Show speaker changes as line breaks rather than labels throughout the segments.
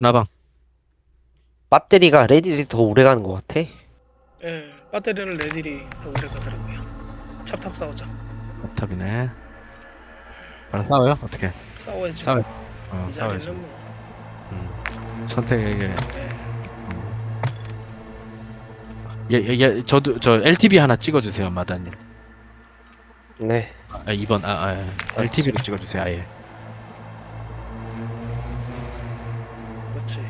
나방.
배터리가 레딜이 더 오래 가는 것 같아.
예, 배터리는 레딜이 더 오래 가더라고요. 탑 싸우자.
탑이네. 바로 싸워요? 어떻게?
싸워야지.
싸워.
이
싸워야지.
자리는 뭐.
선택에게.
예.
저도 저 LTV 하나 찍어주세요, 마다님.
네.
2번. LTV로 찍어주세요, 아예.
그렇지.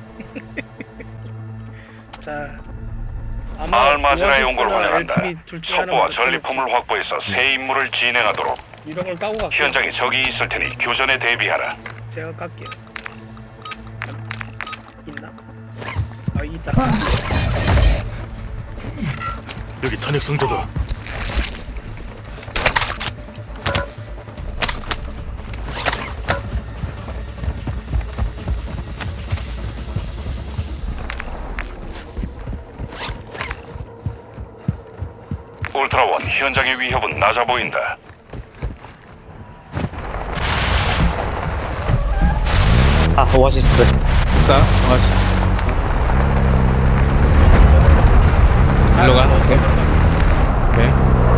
자,
마을 마지나 연구를
오아시스나
활용한다.
LTV 둘 중에
첩보와
하나만
전리품을 확보해서 새 임무를 진행하도록.
이런 걸 까고 갈게요.
현장에 적이 있을 테니 교전에 대비하라.
제가 깎게요. 있나? 아, 있다.
여기 탄약 상자다.
울트라원, 현장의 위협은 낮아 보인다.
오아시스.
싸. 일로 가. 오케이. 오케이.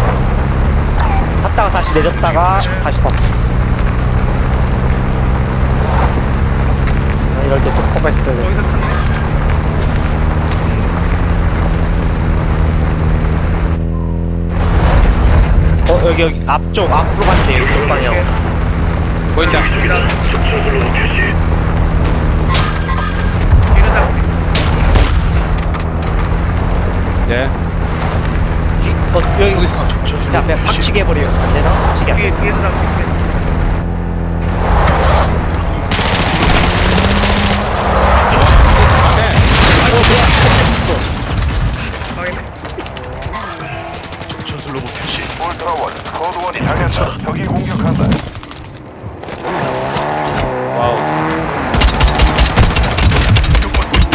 탔다가 다시 내렸다가 다시 탔다. 이럴 때 좀 커버했어야 돼.
거기서 탔네.
여기 앞쪽 앞으로 갔네. 이쪽 방향.
보인다.
이런
네.
여기 있어. 야, 그냥 박치게 해버려. 안 되나? 박치게 안 돼.
뒤에서 나오게.
전술 로봇 표시.
울트라원, 코드원이 당했다. 적이 공격한다.
와우.
공격받고 있다.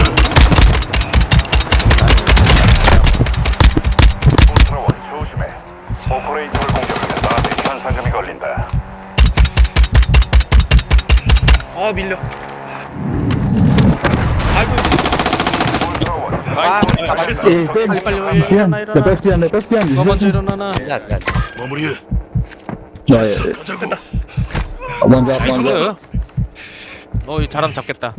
울트라원, 조심해. 오퍼레이터를 공격하면 나한테 현상금이 걸린다.
아, 밀려. 아이고,
울트라원,
나이스. 빨리 일어나. 너 먼저 일어나나.
야.
마무리해.
네.
가자고.
나이스. 이 사람 잡겠다.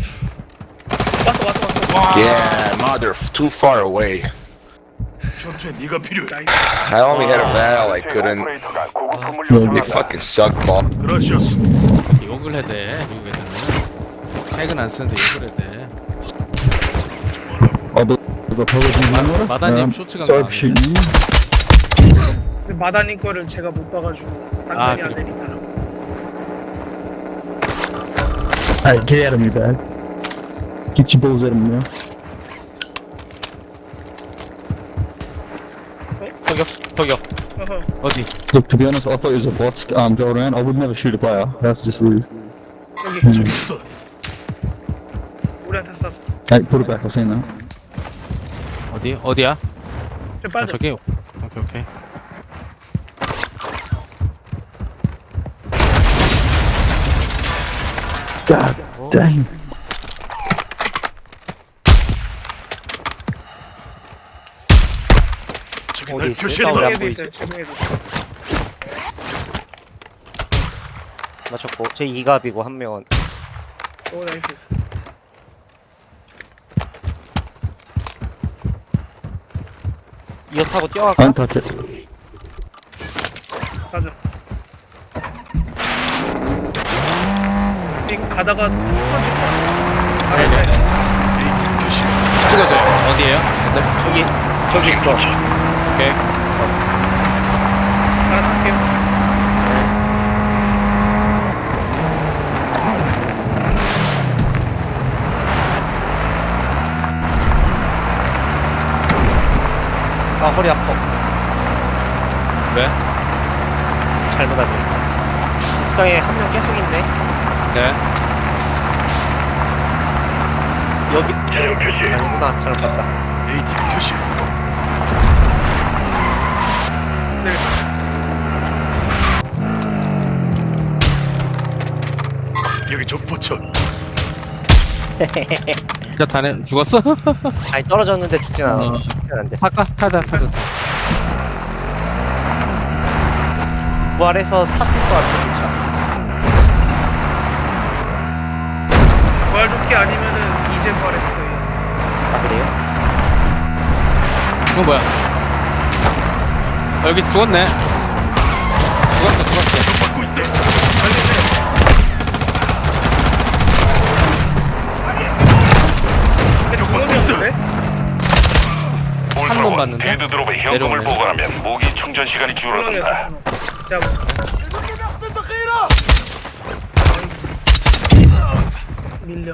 왔어.
Yeah, mother, too far away.
전투에 네가 필요해.
I only hit a valve. I couldn't.
오퍼레이터가 고급 건물
They
요청한다.
fucking suck ball.
그라시아스.
욕을 해야 돼. 미국 애들은. 핵은 안 쓰는데 욕을 해야 돼. 마다님 쇼츠가 나왔네.
근데 마다님 거를 제가 못 봐가지고 당첨이 안
그래.
되니까.
Alright, get out of me, bag. Get your balls out of me now.
저격.
어허.
어디?
Look, to be honest, I thought it was a bot go around. I would never shoot a player. That's just rude.
여기
저기 있어.
우리한테 쐈어.
Hey, put it back. I've seen that.
어디야?
저 빠져.
저기. 오케이.
God damn.
저기
어디
날
있어요?
표시했다.
싸우려.
제공에도
보이지?
있어요. 제공에도.
맞췄고. 제 2갑이고 한 명은.
오, 나이스.
이어 타고 뛰어갈까?
Untouch it.
가자. 이 가다가 첫 번째 거. 알았다.
AT 표시.
찍어줘요. 어디에요?
저기 있어.
오케이.
알았을게요.
아, 허리 아파.
왜?
잘못 알고. 옥상에 한 명 계속 있네.
네.
여기
체력 표시.
아니구나. 잘못 봤다.
AT 표시.
네.
여기 적 포착.
진짜 다네 죽었어?
아니 떨어졌는데 죽진 않았어. 죽진 안 됐어.
타까 타자.
부활해서 탔을 것 같아 기차.
부활 조끼 아니면은 이제 부활했을 거예요.
아 그래요?
이거 뭐야? 여기 죽었네. 죽었어.
받고 있다.
근데 두 번이었는데?
울트라원
봤는데?
필드 드롭에 현금을
내려오네.
보관하면 무기 충전 시간이 줄어든다.
자, 밀려.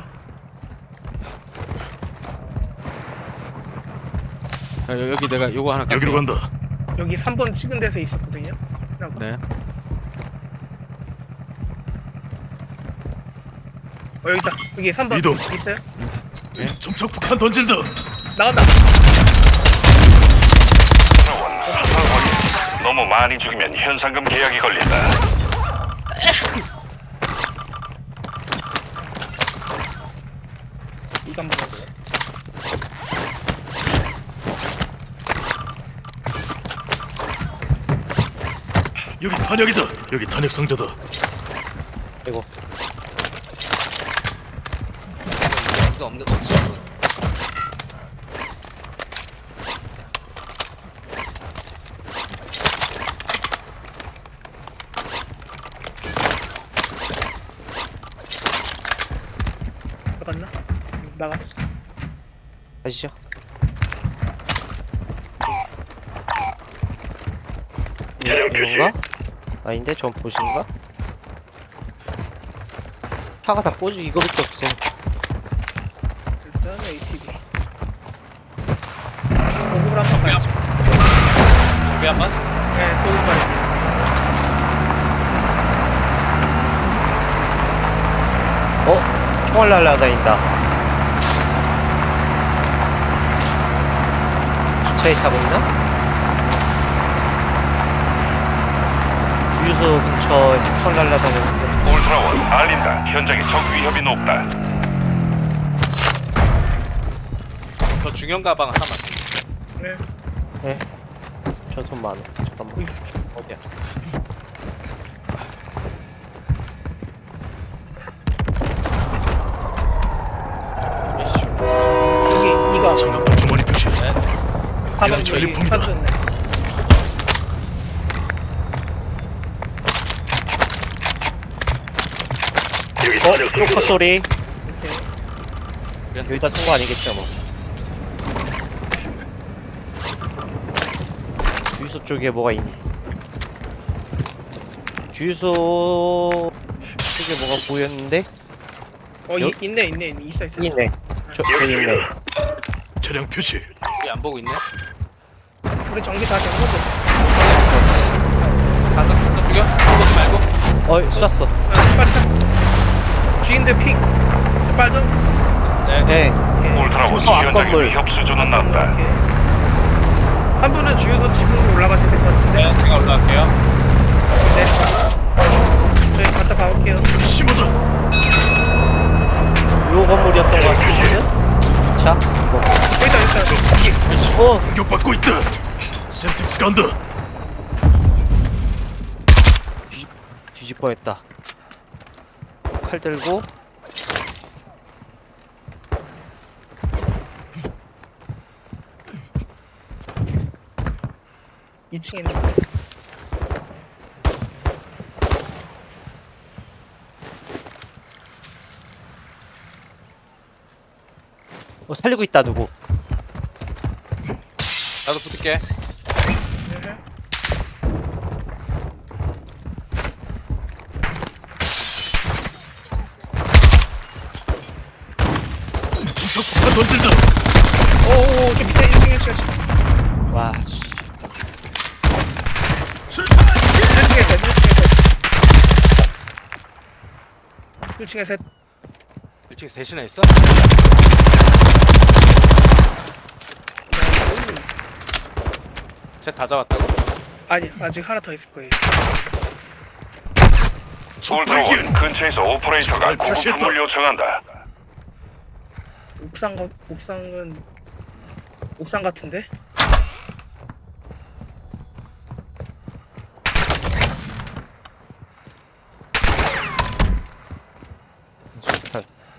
여기 내가 요거 하나
여기로
깎을게.
간다.
여기 3번 찍은 데서 있었거든요.
네.
여기 있다. 여기 3번
이동.
있어요?
점착 폭탄 던진다.
나간다.
울트라원 수사 권리. 너무 많이 죽이면 현상금 계약이 걸린다.
이거 한번 먹었어.
여기 탄약이다. 여기 탄약 상자다.
이거
나갔나? 나갔어.
가시죠. 이건가? 아닌데 전 보신가? 차가 다 꽂이 이거밖에 없어.
일단 ATV. 도구를 한번 가야지.
여기 한번.
네, 도구 가야지.
총알 날라다닌다. 기차에 타고 있나? 주유소 근처에서 총알 날라다니는데.
울트라원 알린다. 현장에 적 위협이 높다.
저 중형 가방 하나만.
네.
네. 저 돈 많아. 잠깐만.
어디야?
여기 이거
장갑 주머니 표시.
4번 여기
전리품이다.
사줬네.
크로커 소리.
오케이.
여기다 쏜 거 아니겠죠 뭐. 주유소 쪽에 뭐가 있니? 주유소 쪽에 뭐가 보였는데?
있네. 있어.
있네. 저기 있네.
차량 표시.
여기 안 보고 있네.
우리 전기 다 된 거죠?
가서 죽여. 보지 말고.
쐈어.
아, 빨리 타. G인데 픽. 빨리 좀.
네.
네.
오케이.
울트라원
주소 앞
현장의
건물.
위협 수준은 낮다.
오케이. 한 분은 주유소 지붕으로 올라가셔야 될 것 같은데.
네, 제가 올라갈게요.
네. 저희 갔다 가볼게요.
심하다.
요 건물이었던 것 같은데? 자, 뭐.
여기다.
오!
공격받고 있다. 센틱스 간다.
뒤집 뻔했다. 칼 들고.
2층에 있는 거.
살리고 있다 누구?
나도 붙을게.
네.
점착 폭탄 던진다.
오오오, 저 밑에 1층.
와, 씨.
1층에 셋.
1층에 셋이나 있어? 셋 다 잡았다고?
아니, 아직 하나 더 있을 거예요.
적발견.
울트라원 근처에서 오퍼레이터가
정말 표시했다.
보급품을 요청한다.
옥상 같은데?
수류탄.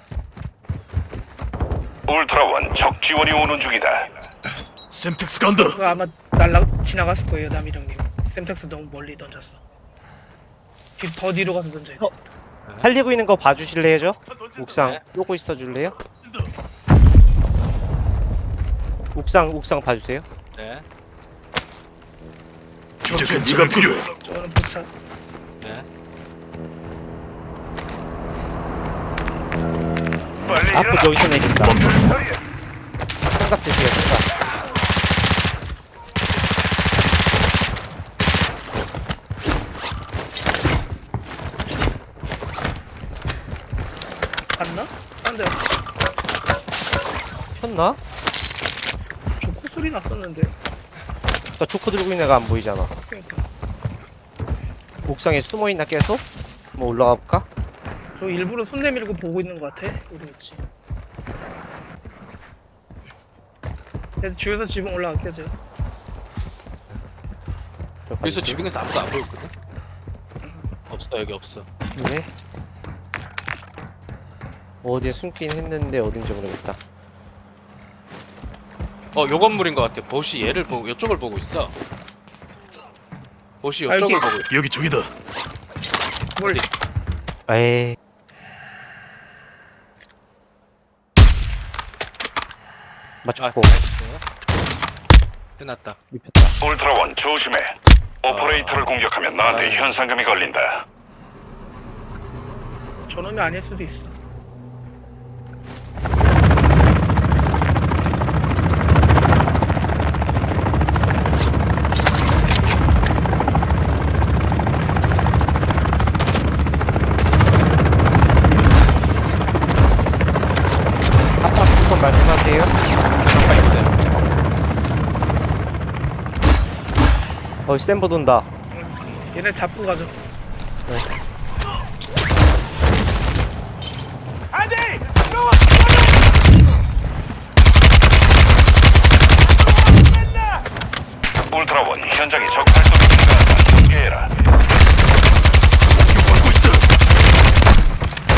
울트라원 적 지원이 오는 중이다.
샘텍스 간다.
그거 아마 지나갔을 거예요, 남이랑님. 샘텍스 너무 멀리 던졌어. 더 뒤로 가서 던져요.
살리고 있는 거 봐주실래요, 저? 옥상 요거 있어 줄래요? 옥상 봐주세요.
네.
이제 네가 필요해.
저거는 포차.
네.
빨리
앞으로
일어나.
여기서 내린다.
목표를 처리해.
생각 드세요, 생각.
갔나? 안 돼.
폈나?
조코 소리 났었는데.
나 초코 들고 있는 애가 안 보이잖아.
그러니까.
옥상에 숨어있나 계속? 뭐 올라가 볼까?
저 일부러 손 내밀고 보고 있는 것 같아. 우리 위치. 그래도 주에서 지붕 올라갈게요, 제가.
여기서 지붕에서 아무도 안 보였거든. 없어 여기 없어.
네. 어디에 숨긴 했는데 어딘지 모르겠다.
요 건물인 것 같아. 보시 얘를 보고 이쪽을 보고 있어. 보시
아,
이쪽을
여기.
보고 있어.
여기 저기다.
뭘?
에이. 맞췄고
끝났다.
입혔다.
울트라원 조심해. 오퍼레이터를 공격하면 나한테 현상금이 걸린다.
저놈이 아닐 수도 있어.
아빠 한번 말씀하세요.
잠깐 있어요.
센버 돈다.
얘네 잡고 가죠.
울트라원 현장에 적 활동이 증가한다. 경계해라.
받고 있다.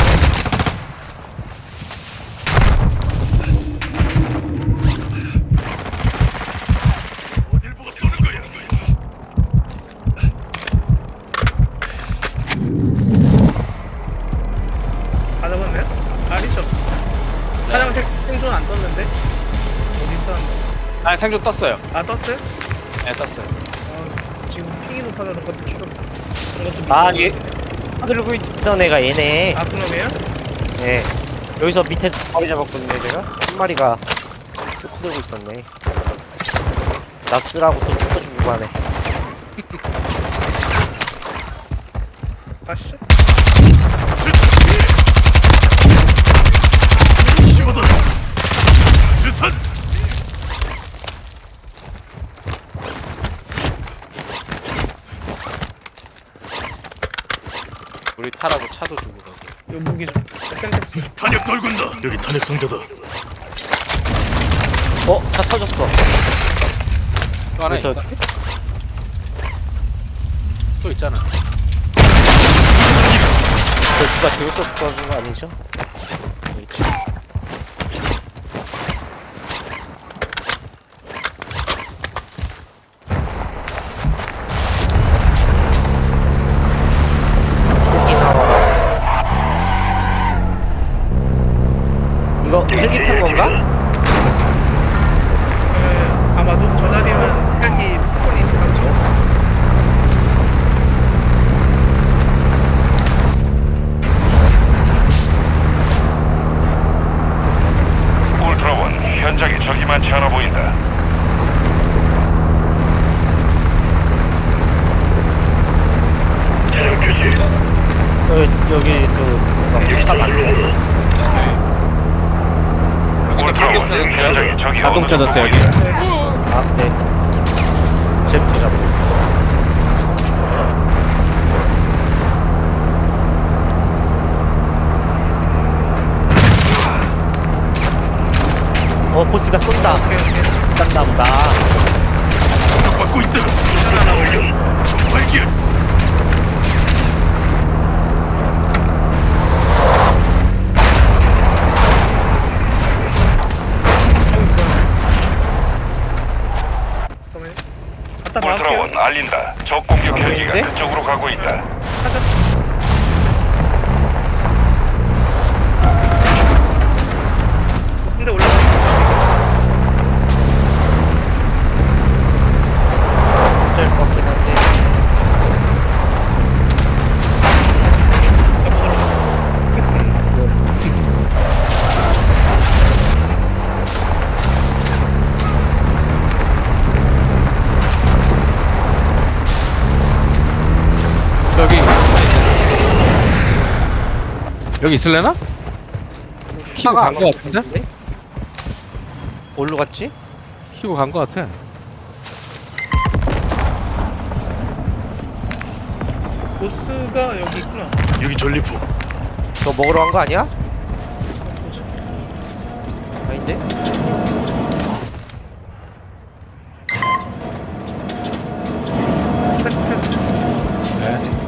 어딜 보고 쏘는 거야?
다 잡았나요? 아니죠. 사장 생존 안 떴는데? 어디 있었는데?
아 생존 떴어요.
아, 떴어요?
네 떴어요.
지금 핑이 높아서 그런 것도 계속 그런 것도
아,
믿고
얘
있는데.
들고 있던 애가 얘네.
아, 그놈이에요?
네. 여기서 밑에서 바위 잡았거든요, 제가. 한 마리가 초코 들고 있었네. 나스라고 또 초코 주고 하네.
가시죠.
집어다. 수류탄.
우리 타라고 차도 주고 가고.
요 무기 좀. 센텍스.
탄약 떨군다. 여기 탄약 상자다.
차 터졌어.
또 하나
저-
있어. 또 있잖아.
누가 제우스 써준 거 아니죠? 여기 있지. 여기 나와라. 이거 헬기 탄 건가?
아마도 저 자리는 헬기 스폰이 있죠.
울트라원 현장에 적이 많지 않아 보인다.
여기 차 많네.
울트라원 현장에 적이
자동
어느 정도
켜졌어요, 여기.
보인다.
아, 네. 쟤부터 잡고. 보스가 쏜다. 쏜다 보다.
공격받고 있다. 적발견.
잠깐만요. 갖다 막을게요.
울트라원 알린다. 적 공격 헬기가
네?
그쪽으로 가고 있다.
가자. 근데 올라가.
어쩔 것 같긴 한데.
여기 있을래나? 키고
차가
간 거 같은데?
어디로 갔지?
키고 간 거 같아.
보스가 여기 있구나.
여기 전리품.
너 먹으러 간 거 아니야?
보자.
아닌데?
패스.
네.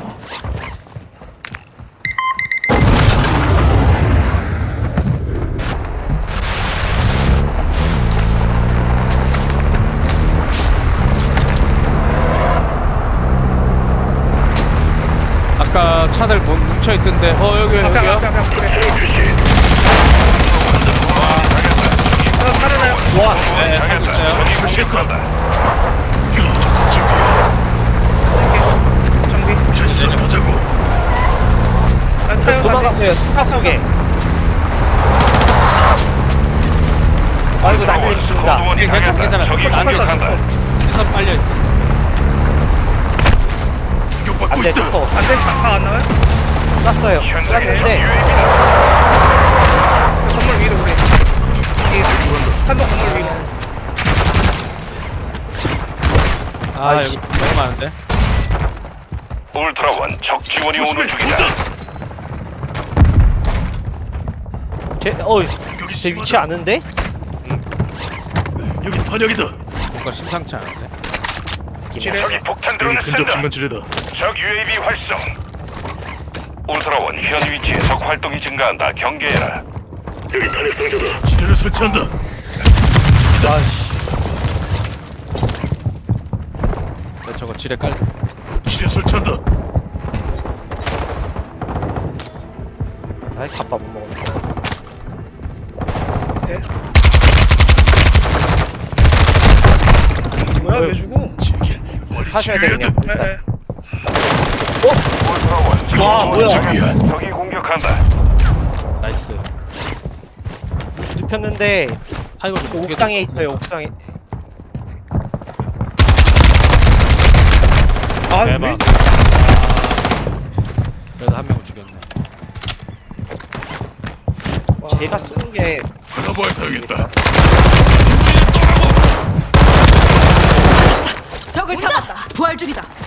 아까 차들 뭉쳐 있던데. 여기
앞에
여기요.
그래. 살아나요.
와!
네, 살고 있어요.
정비.
됐어, 가자고.
타요.
도망갔어요. 차 속에. 아이고 난리 칩니다.
거두원이
괜찮아,
가겠다.
괜찮아.
적이
안
공격한다.
시선 빨려 있어.
공격받고
안돼
있다.
투포
안돼. 다안 나와요?
쐈어요.
현장에 적
쐈는데
UAV다.
건물 위로 오래. 한동 건물 위로.
여기 너무 많은데.
울트라원 적 지원이
조심해.
오는 중이다.
공격이
제 위치
심하다.
아는데?
여기 탄약이다.
뭔가 심상치 않은데.
지뢰.
적이 폭탄
여기
드론을
근접
쓴다.
신간 지뢰다.
적 UAV 활성. 울트라원 현 위치에 적 활동이 증가한다. 경계해라. 여기 탄약 상자다.
지뢰를 설치한다.
아씨
저거 지뢰 깔.
지뢰 설치한다.
아이 갑바 못 먹었네.
네. 뭐야 왜 주고?
제길 빨리
사셔야 돼
치료해야
그냥
돼.
일단.
울트라원
와 뭐야
저기야.
적이 공격한다.
나이스.
눕혔는데
타이거 좀
옥상에 있어요 옥상에.
아
대박.
왜?
그래도 한 명을 죽였네.
제가 쏘는 게
가봐야겠다.
적을 잡았다. 부활 중이다.